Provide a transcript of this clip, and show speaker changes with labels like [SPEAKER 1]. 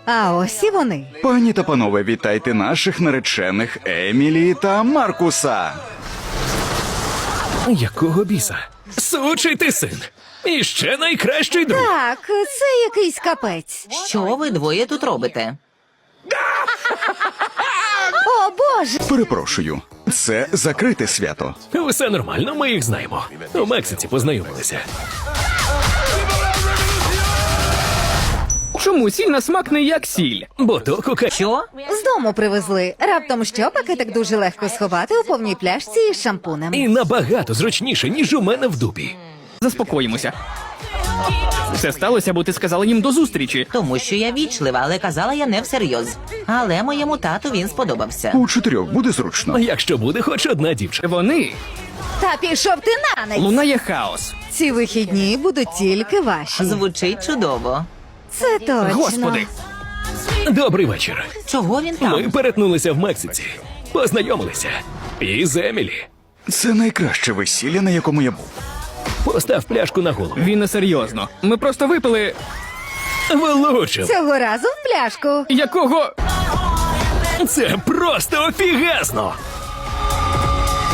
[SPEAKER 1] А ось і вони.
[SPEAKER 2] Пані та панове, вітайте наших наречених Емілі та Маркуса.
[SPEAKER 3] Якого біса? Сучий ти син. І ще найкращий друг.
[SPEAKER 1] Так, це якийсь капець.
[SPEAKER 4] Що ви двоє тут робите?
[SPEAKER 1] О, Боже!
[SPEAKER 2] Перепрошую, це закрите свято.
[SPEAKER 3] Все нормально, ми їх знаємо. У Мексиці познайомилися.
[SPEAKER 5] Чому сіль на смак не як сіль?
[SPEAKER 3] Бо то кока...
[SPEAKER 4] Що?
[SPEAKER 1] З дому привезли. Раптом що, пакетик дуже легко сховати у повній пляшці із шампунем.
[SPEAKER 3] І набагато зручніше, ніж у мене в дупі.
[SPEAKER 5] Заспокоїмося. Все сталося, бо ти сказала їм до зустрічі.
[SPEAKER 4] Тому що я вічлива, але казала я не всерйоз. Але моєму тату він сподобався.
[SPEAKER 2] У 4 буде зручно.
[SPEAKER 3] А якщо буде хоч одна дівчина?
[SPEAKER 5] Вони
[SPEAKER 1] Та пішов ти на нець!
[SPEAKER 5] лунає хаос.
[SPEAKER 1] Ці вихідні будуть тільки ваші.
[SPEAKER 4] Звучить чудово.
[SPEAKER 1] Це точно.
[SPEAKER 5] Господи,
[SPEAKER 3] Добрий вечір.
[SPEAKER 4] Чого він
[SPEAKER 3] Ми
[SPEAKER 4] там?
[SPEAKER 3] перетнулися в Мексиці. Познайомилися. І з Емілі.
[SPEAKER 2] Це найкраще весілля, на якому я був.
[SPEAKER 3] Постав пляшку на голову.
[SPEAKER 5] він не серйозно. Ми просто випили.
[SPEAKER 3] Влучив.
[SPEAKER 1] Цього разу в пляшку.
[SPEAKER 5] Якого?
[SPEAKER 3] Це просто офігезно.